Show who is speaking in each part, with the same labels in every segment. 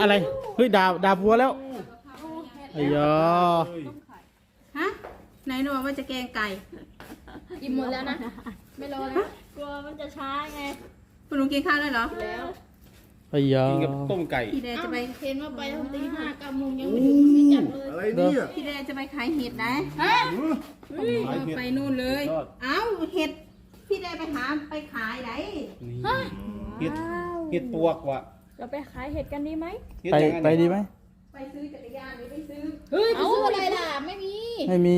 Speaker 1: อะไรเฮ้ยดาบวัวแล้วไอ้ยอ
Speaker 2: ฮะไหนหนูว่าจะแกงไก่
Speaker 3: อิ่มหมดแล้วนะไม่รอแล้วกลัวมันจะช้าไง
Speaker 2: คุณลุงกินข้าวเลยเหรอ
Speaker 3: แล้ว
Speaker 1: ไอ้ยอ
Speaker 4: กินกับต้มไก่
Speaker 2: พี่แดงจะไป
Speaker 3: เห็นว่าไปตั้งตี5 9 โมงยังไม่ถึงไม่จัดเลย
Speaker 4: อะไรเนี่ย
Speaker 2: พี่แดงจะไปขายเห็ดนะ ไปนู่นเลย เอ้าเห็ดพี่แดงไปขายไหน
Speaker 4: เห็ดปวกว่ะ
Speaker 3: เราไปขายเห็ดกันดีไหม
Speaker 4: เห็ด
Speaker 1: ไป
Speaker 4: ยังไง
Speaker 1: ไปดีไหม
Speaker 2: ไปซื้อจักรยานหรือไปซื้อ
Speaker 3: เฮ้ยไปซื้ออะไรล่ะไม่มี
Speaker 1: ไม่มี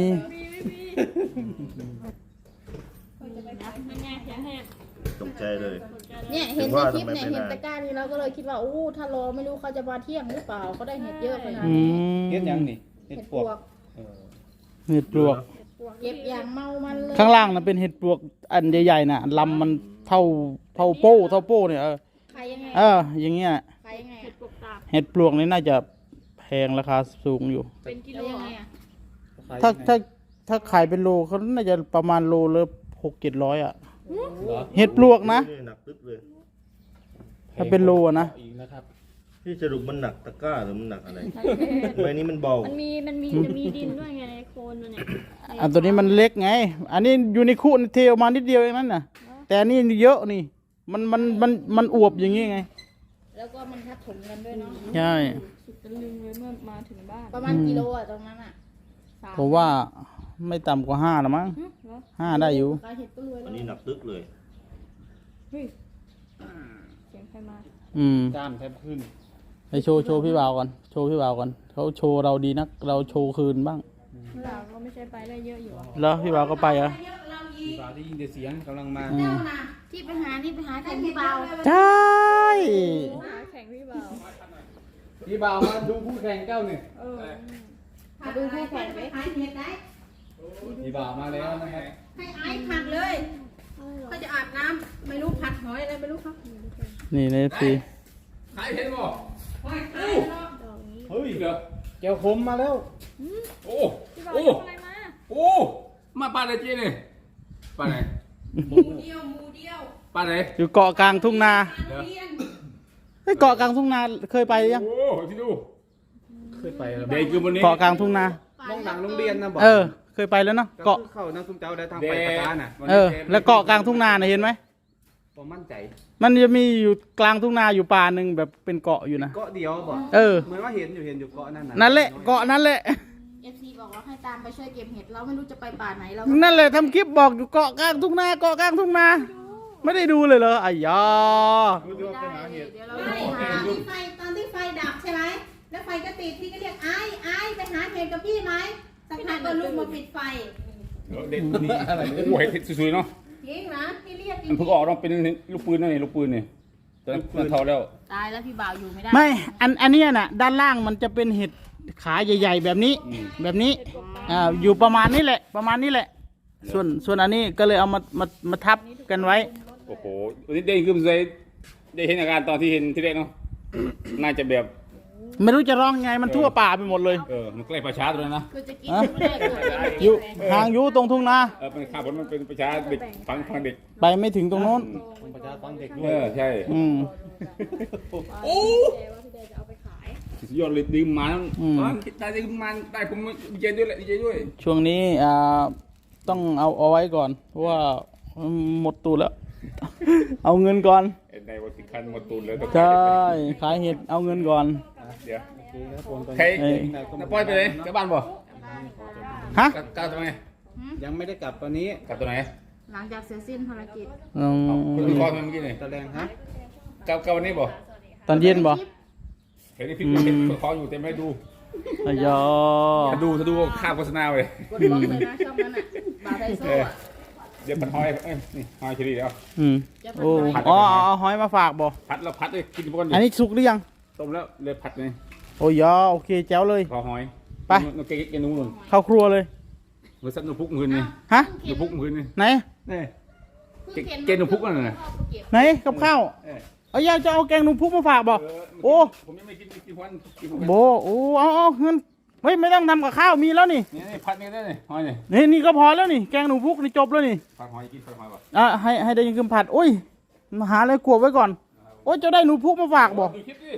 Speaker 3: มันไงเสียงแหบ
Speaker 5: ตกใจเลย
Speaker 3: เนี่ยเห็น
Speaker 5: ถึง
Speaker 3: ใน
Speaker 5: ว่า
Speaker 3: คลิป
Speaker 5: ทำไม
Speaker 3: เนี่ย
Speaker 5: ไม่
Speaker 3: เห็น
Speaker 5: นาน
Speaker 3: ตะกร้านี้เราก็เลยคิดว่าโอ้ถ้ารอไม่รู้เขาจะมาเที่ยงหรือเปล่าเขาได้เห็ดเยอะขนาด
Speaker 1: อื
Speaker 3: นี้
Speaker 1: ม
Speaker 4: เห็ดยังนี่เห็ด
Speaker 3: เห็ด
Speaker 4: ป
Speaker 3: ป
Speaker 4: ว
Speaker 3: ว
Speaker 4: ก
Speaker 3: ก
Speaker 4: เออ
Speaker 1: เห็ดปลวก
Speaker 3: เก็บอย่างเมามันเลย
Speaker 1: ข้างล่างน่ะเป็นเห็ดปลวกอันใหญ่ๆน่ะลำมันเท่าโป้เนี่ย
Speaker 3: ขายยังไง
Speaker 1: อย่างเงี้ย
Speaker 3: ขายยังไงเห็ดปวกตาบ
Speaker 1: เห็ดปลวกนี่น่าจะแพงราคาสูงอยู่
Speaker 3: เป็นกิโลยังไงอ่ะ
Speaker 1: ถ้าขายเป็นโลเขาน่าจะประมาณโลละ600-700อ่ะ
Speaker 4: เหรอ
Speaker 1: เห็ดปลวกนะ
Speaker 5: หนักตึ๊บเลย
Speaker 1: ถ้าเป็นโลอะนะ
Speaker 4: อีกนะครับ
Speaker 5: ที่สรุปมันหนักตะกร้าหรือมันหนักอะไรใบนี้มันเบา
Speaker 3: มันมีจะมีดินด้วยไงในโคนมันเนี่ย
Speaker 1: อันตัวนี้มันเล็กไง อันนี้อยู่ในคู่เทออกมานิดเดียวเองนั่นน่ะ แต่อันนี้เยอะนี่ มันอวบอย่างงี้ไง
Speaker 3: แล้วก็มันทับถมกันด้วยเนาะ
Speaker 1: ใช่
Speaker 3: สุดตะลึงเลยเมื่อมาถึงบ้านประมาณกิโลอ่ะตรงนั้นอ่ะ
Speaker 1: ผมว่าไม่ต่ำกว่า5ละมั้ง
Speaker 3: เหรอ
Speaker 1: 5ได้อยู่
Speaker 3: ขายเห็ดก็รวย
Speaker 5: อั
Speaker 3: แล้ว
Speaker 5: นนี้หนักตึ๊บเลย
Speaker 3: เฮ้ยเสียงใครมา
Speaker 4: กล้ามแทบขึ้น
Speaker 1: ไปโชว์พี่บ่าวก่อนโชว์พี่บ่าวก่อนเขาโชว์เราดีนักเราโชว์คืนบ้าง
Speaker 3: เราก็ไม่ใช่ไปได้เยอะอยู่
Speaker 1: แล้วพี่บ่าวก็ไปเหรอ
Speaker 2: เยอะเราอี
Speaker 4: พี่บ่าวที่ยินแต่เสียงกำลังมา
Speaker 1: อืม
Speaker 2: นะ
Speaker 3: ที่ไปหานี่ไปหาแข่งพี่เบา
Speaker 1: ใช่
Speaker 3: หาแข่งพี่เบา
Speaker 4: พี่บ่าวมาดูผู้แข่งเจ้าเนี่ย
Speaker 3: มาดูคู่แข่ง
Speaker 2: ไป
Speaker 3: ไหม
Speaker 2: ขายเห็ดได้
Speaker 4: พี่บ่าวมาแล้วนะครับ
Speaker 2: ให้ไอ้ผัดเลยเขาจะอาบน้ำไม่รู้ผัดหอยอะไรไม่รู้เขา
Speaker 1: นี่ในฟี
Speaker 4: ขายเห็ดบ่
Speaker 2: หอยขายเนาะ
Speaker 4: เฮ้ยเหรอ
Speaker 1: เจ้าคมมาแล้ว
Speaker 4: โอ้
Speaker 3: พี่เบา
Speaker 4: โอ้
Speaker 3: ทำอะไรมา
Speaker 4: โอ้มาปลาอะไรเจ๊เนี่ยปลาไหน
Speaker 2: หมูเดียว
Speaker 4: ปลาไหน
Speaker 1: อยู่เกาะกลางทุ่งนา
Speaker 2: ปลาเรียน
Speaker 1: เฮ้ยเกาะกลางทุ่งนาเคยไปยัง
Speaker 4: โอ้พี่ดูเคยไปแล้วเด็กอยู่บนนี้
Speaker 1: เกาะกลางทุ่งนา
Speaker 4: น้องหลังโรงเรียนนะบอก
Speaker 1: เคยไปแล้วเนาะเกาะ
Speaker 4: เข้าน้ำซุ้มเจ้าได้ทางไปปะทานน่ะ
Speaker 1: แล้วเกาะกลางทุ่งนาเห็นไหม
Speaker 4: ผมมั่นใจ
Speaker 1: มันจะมีอยู่กลางทุ่งนาอยู่ป่าหนึ่งแบบเป็นเกาะอยู่นะ
Speaker 4: เกาะเดียวบอก
Speaker 1: เห
Speaker 4: มือนว่าเห็นอยู่เกาะนั่นน่ะ
Speaker 1: นั่นแหละเกาะนั่นแหละ
Speaker 3: เอฟซีบอกว่าให้ตามไปช่วยเก็บเห็ดเราไม่รู้จะไปป่าไหนเรา
Speaker 1: นั่นแหละทำคลิปบอกอยู่เกาะกลางทุ่งนาเกาะกลางทุ่งนา ไม่ได้ดูเลยเหรออ้ยา
Speaker 3: ไม่ได้เดี๋ยวเรา
Speaker 2: ไม่
Speaker 3: ไปหา
Speaker 2: ตอนที่ไฟดับใช่ไหมแล้วไฟก็ติดพี่ก็เรียกไอ้ไปหาเห็ดกับพี่ไหมสักพักก็ลุกมาปิดไฟ
Speaker 4: เด็ดนี่อะไรโอ้โหเห็ดสวยๆเนาะ
Speaker 2: จริงนะพี่เรียกจริ
Speaker 4: มัน
Speaker 2: ง
Speaker 4: เพิ่งออกต้องเป็นลูกปืนนั่นนี่ลูกปืนนี่ตอนนั้นมันเท่าแล้ว
Speaker 3: ตายแล้วพี่บ่าวอยู่ไม่ได้
Speaker 1: ไม่อันเนี้ยน่ะด้านล่างมันจะเป็นเห็ดขาใหญ่ๆแบบนี้ แบบนี้อยู่ประมาณนี้แหละประมาณนี้แหละ ส่วนอันนี้ก็เลยเอามาทับกันไว้
Speaker 4: โอ้โหวันนี้ได้ขึ้นเลยได้เห็นอาการตอนที่เห็นที่แรกเนาะน่าจะแบบ
Speaker 1: ไม่รู้จะร้องไงมันทั่วป่าไปหมดเลย
Speaker 4: มันใกล้ประชาตัวนั้นนะ
Speaker 3: คือจะกินไม่ได้เกิด
Speaker 1: อยู่ห่างอยู่ตรงทุ่งนา
Speaker 4: เป็นข้าวผลมันเป็นประชาเด็กฟังเด็ก
Speaker 1: ไปไม่ถึงตรงโน้น
Speaker 4: ประชาฟังเด็กด้วยใช่
Speaker 3: โอ้ว่าพี่เดจะเอาไปขาย
Speaker 4: สุดยอดเลยดื่มมาได้ดื่มมาได้ผมดีใจด้วยแหละดีใจด้วย
Speaker 1: ช่วงนี้ต้องเอาไว้ก่อนเพราะว่าหมดตูดแล้ว เอาเงินก่อน
Speaker 4: ในวันที่คันหมดตูนแล้ว
Speaker 1: ใช่ขายเห็ดเอาเงินก่อน
Speaker 4: เดี๋ยวใครน้าป้อยไปเลยกลับบ้านบ่
Speaker 1: ฮะ
Speaker 4: กลับทำไม
Speaker 6: ยังไม่ได้กลับตอนนี้
Speaker 4: กลับตัวไหน
Speaker 3: หลังจากเสร็จสิ้นภารกิจ
Speaker 4: คุณคอเมื่อกี้นี่
Speaker 6: ตะแรงฮะ
Speaker 4: กลับวันนี้บ่
Speaker 1: ตอนเย็นบ่
Speaker 4: เห็นในคลิปเห็นคออยู่แต่ไม่ดู
Speaker 1: อ้ยอ
Speaker 4: ถ้าดูข้ามโฆษณาเลย
Speaker 3: กดบล็อกเลยนะช่องนั้นอ่ะบ่าวไดโซ่อะ
Speaker 4: เดี๋ยวผัดหอยนี่หอยเฉลี่ยแล้ว
Speaker 1: โอ้เอาหอยมาฝากบ่
Speaker 4: ผัดแล้วผัดเลยกินพวก
Speaker 1: อันนี้สุกหรือยัง
Speaker 4: ต้มแล้วเลยผัดเลย
Speaker 1: โอ้ยอโอเคแจ๋วเลย
Speaker 4: พอหอย
Speaker 1: ไป
Speaker 4: นกเก๊กนุ่น
Speaker 1: เข้าครัวเลย
Speaker 4: เมื่อสักนกพุกมือนี่
Speaker 1: ฮะ
Speaker 4: นกพุกมือนี่
Speaker 1: ไหน
Speaker 4: นี่เกนนกพุกนั่นน่ะ
Speaker 1: ไหนกับข้าวเอายาจะเอาแกงหนูพุกมาฝากบ่โอ้
Speaker 4: ผมยังไม่กินวัน
Speaker 1: โบโอ้เอาเงินเฮ้ยไม่ต้องทำกับข้าวมีแล้วนี่
Speaker 4: นี่ผัดนี่ได้นี่หอยนี่
Speaker 1: นี่ก็พอแล้วนี่แกงหนูพุกนี่จบแล้วนี่
Speaker 4: ผัดหอยกินผัดหอยป่ะ
Speaker 1: ให้ได้ยินคำผัดโอ้ยมาหาอะไรกลัวไว้ก่อนโอ้ยจะได้หนูพุกมาฝากบ่
Speaker 4: ดูคลิปดิ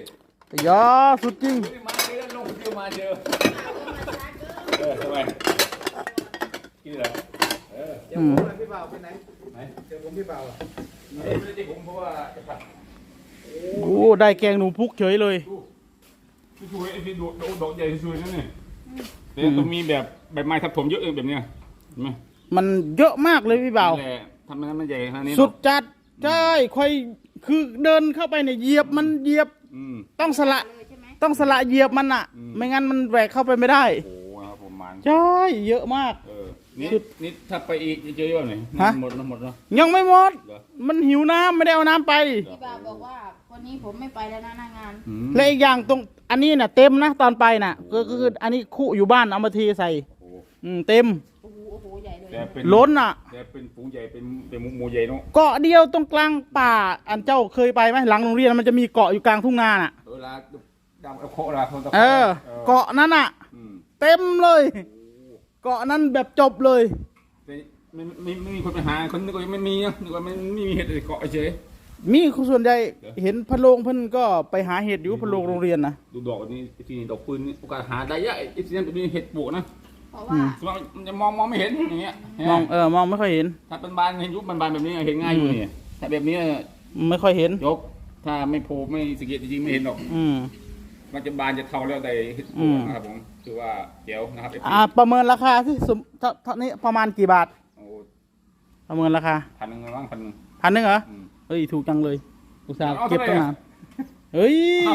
Speaker 1: ยอสุดจริง
Speaker 4: มาเจอลงเดียวมาเจอทำไมกินเหรอ
Speaker 6: เดี๋ยวผมพี่เบาไปไหนเดี๋ยวผมพี่เบา
Speaker 4: ไม่ได้ผมเพราะว่าจะผัด
Speaker 1: โอ้ได้แกงหนูพุกเฉยเลย
Speaker 4: ช่วยไอ้ที่ดอกใหญ่ช่วยนั่นนี่แต่ต้องมีแบบใบไม้ทับถมเยอะแบบเนี้ยเห็นไหม
Speaker 1: มันเยอะมากเลยพี่บ่าว
Speaker 4: นั่นแหละทำให้มันใหญ่ขนาดนี้
Speaker 1: สุดจัดใช่ค่อยคือเดินเข้าไปเนี่ยเหยียบมันเหยียบ ต้องสละเหยียบมันอ่ะ ไม่งั้นมันแหวกเข้าไปไม่ได้
Speaker 4: โอ้โหครับผมมัน
Speaker 1: ใช่เยอะมาก
Speaker 4: นี่ถ้าไปอีกจะเจอเยอะหน่อย
Speaker 1: ฮะ
Speaker 4: หมดเนาะ
Speaker 1: ยังไม่หมด
Speaker 4: เหรอ
Speaker 1: มันหิวน้ำไม่ได้เอาน้ำไป
Speaker 2: พี่บ่าวบอกว่าวันนี้ผมไม่ไปแล้วนะหน้างาน
Speaker 1: และอีกอย่างตรงอันนี้น่ะเต็มนะตอนไปน่ะก็คืออันนี้คู่อยู่บ้านเอามาทีใส่
Speaker 4: โอ้
Speaker 1: เต็ม
Speaker 2: โอ้โหใหญ่เลย
Speaker 4: แต่เป็น
Speaker 1: ล้นอ่ะ
Speaker 4: แต่เป็นฝูงใหญ่เป็นหมูใหญ่เนาะ
Speaker 1: เกาะเดียวตรงกลางป่าอันเจ้าเคยไปไหมหลังโรงเรียนมันจะมีเกาะอยู่กลางทุ่งนาน่ะ
Speaker 4: เวลาดำเอาโคราคนตะ
Speaker 1: เกาะนั้นอ่ะ เต็มเลย เกาะนั้นแบบจบเลย
Speaker 4: แต่ไม่มีคนไปหาคนนึกว่าไม่มีนะนึกว่าไม่มีเห็ดเลยเกาะเฉย
Speaker 1: มีส่วนใหญ่เห็นพะโลงเพิ่นก็ไปหาเห็ดอยู่พะโลงโรงเรียนนะ
Speaker 4: ดูดอกนี้ที่ดอกปืนโอกาสหาได้เยอะไอ้ที่นั่นจะมีเห็ดปลูกนะ
Speaker 2: เพราะว่า
Speaker 4: สมมติมันจะมองไม่เห็นอย่างเงี้ย
Speaker 1: มองไม่ค่อยเห็น
Speaker 4: ถ้าเป็นบานเห็นยุบบานแบบนี้เห็นง่ายอยู่นี่ถ้าแบบนี้
Speaker 1: ไม่ค่อยเห็น
Speaker 4: ยกถ้าไม่โผล่ไม่สเก็ตจริงๆไม่เห็นหรอก
Speaker 1: อืม
Speaker 4: มันจะบานจะเท่าแล้วแต่เห็ดปลูกนะครับผมคือว่าเจ๋วนะครับ
Speaker 1: ประเมินราคาที่สมเท่านี้ประมาณกี่บาท
Speaker 4: โอ้
Speaker 1: ประเมินราคา
Speaker 4: 1,000บ้าง1,000
Speaker 1: 1,000เหรอ
Speaker 4: อืม
Speaker 1: เฮ้ยถูกจังเลยอุตส่าห์
Speaker 4: เอา
Speaker 1: เก็บ
Speaker 4: เท่าไหร่
Speaker 1: ตั้งนานเฮ้ย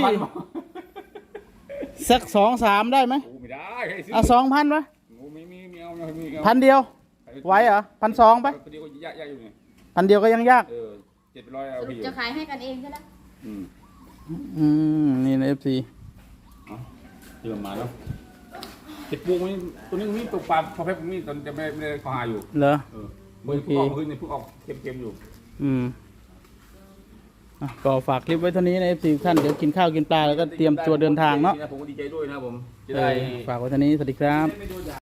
Speaker 4: 5,000
Speaker 1: สัก2-3ได้ไหม
Speaker 4: โอ้ไม่ได้ให้ซื้
Speaker 1: 2,000ปะ
Speaker 4: โอ้ไม่เอาไม่เอา
Speaker 1: 1,000เดียวไหวเหรอ1,200ปะ
Speaker 4: พอดีก็ยากอยู่นี่
Speaker 1: 1,000เดียวก็ยังยาก
Speaker 4: 700เอา
Speaker 2: ส
Speaker 4: ไป
Speaker 2: รุป
Speaker 4: อยู่
Speaker 2: จะขายให้กันเองใช่ไหม
Speaker 1: นี่ในFC
Speaker 4: เตรียมมาแล้วเห็ดปลูกนี่ตัวนี้มีปลูกปลาพอแป๊บมีตอนจะไม่ได้ขอหาอยู่
Speaker 1: เหรอ
Speaker 4: เมื่อพวกออกขึ้นนี่พวกออกเค็มๆอยู่
Speaker 1: ก็ฝากคลิปไว้เท่านี้ใน FC ท่านเดี๋ยวกินข้าวกินปลาแล้วก็เตรียมตัวเดินทางเนาะ
Speaker 4: ผมก็ดีใจด้วยนะผมจะได้
Speaker 1: ฝากไว้เท่านี้สวัสดีครับ